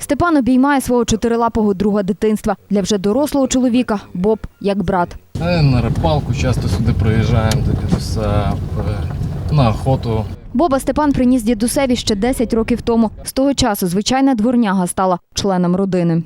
Степан обіймає свого чотирилапого друга дитинства. Для вже дорослого чоловіка Боб як брат. На рибалку часто сюди приїжджаємо до дідуся, на охоту. Боба Степан приніс дідусеві ще 10 років тому. З того часу звичайна дворняга стала членом родини.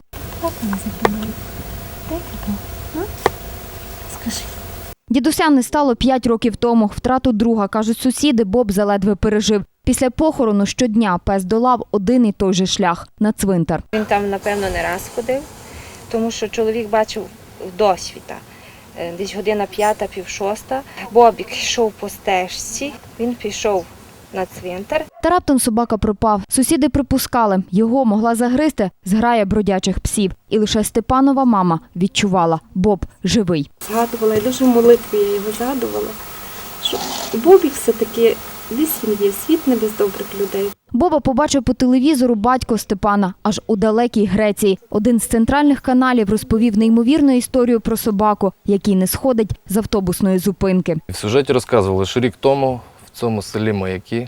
Дідуся не стало 5 років тому. Втрату друга, кажуть сусіди, Боб заледве пережив. Після похорону щодня пес долав один і той же шлях – на цвинтар. Він там, напевно, не раз ходив, тому що чоловік бачив досвіта. Десь година 5, пів 6. Бобік йшов по стежці, він пішов на цвинтар. Та раптом собака пропав. Сусіди припускали, його могла загризти зграя бродячих псів. І лише Степанова мама відчувала – Боб живий. Згадувала, і дуже в молитві я його згадувала, що Бобік все-таки десь він є, світ не без добрих людей. Боба побачив по телевізору батько Степана аж у далекій Греції. Один з центральних каналів розповів неймовірну історію про собаку, який не сходить з автобусної зупинки. В сюжеті розказували, що рік тому в цьому селі Маяки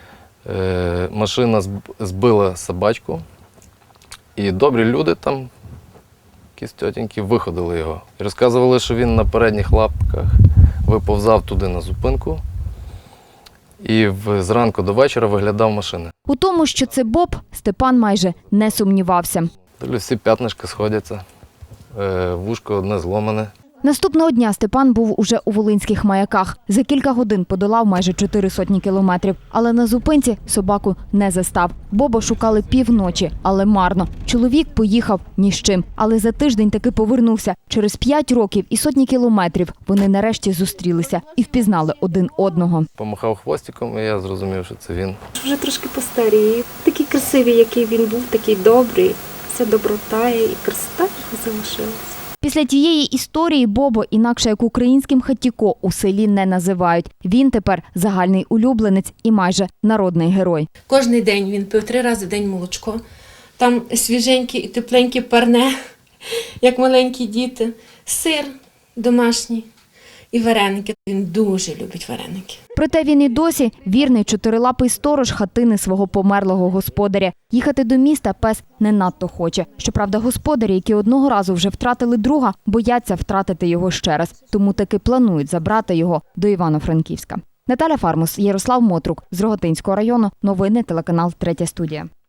машина збила собачку, і добрі люди там, якісь тьотеньки, виходили його. І розказували, що він на передніх лапках виповзав туди на зупинку і зранку до вечора виглядав машини. У тому, що це Боб, Степан майже не сумнівався. Всі п'ятнишки сходяться, вушко одне зломане. Наступного дня Степан був уже у Волинських Маяках. За кілька годин подолав майже 400 кілометрів. Але на зупинці собаку не застав. Боба шукали півночі, але марно. Чоловік поїхав ні з чим. Але за тиждень таки повернувся. Через 5 років і сотні кілометрів вони нарешті зустрілися і впізнали один одного. Помахав хвостиком, і я зрозумів, що це він. Вже трошки постарів. Такий красивий, який він був, такий добрий. Вся доброта і красота його залишилася. Після тієї історії Бобо, інакше як українським хатіко, у селі не називають. Він тепер загальний улюбленець і майже народний герой. Кожний день він пив 3 рази в день молочко. Там свіженьке і тепленьке парне, як маленькі діти, сир домашній і вареники. Він дуже любить вареники. Проте він і досі вірний чотирилапий сторож хатини свого померлого господаря. Їхати до міста пес не надто хоче. Щоправда, господарі, які одного разу вже втратили друга, бояться втратити його ще раз. Тому таки планують забрати його до Івано-Франківська. Наталя Фармус, Ярослав Мотрук з Рогатинського району. Новини телеканал «Третя студія».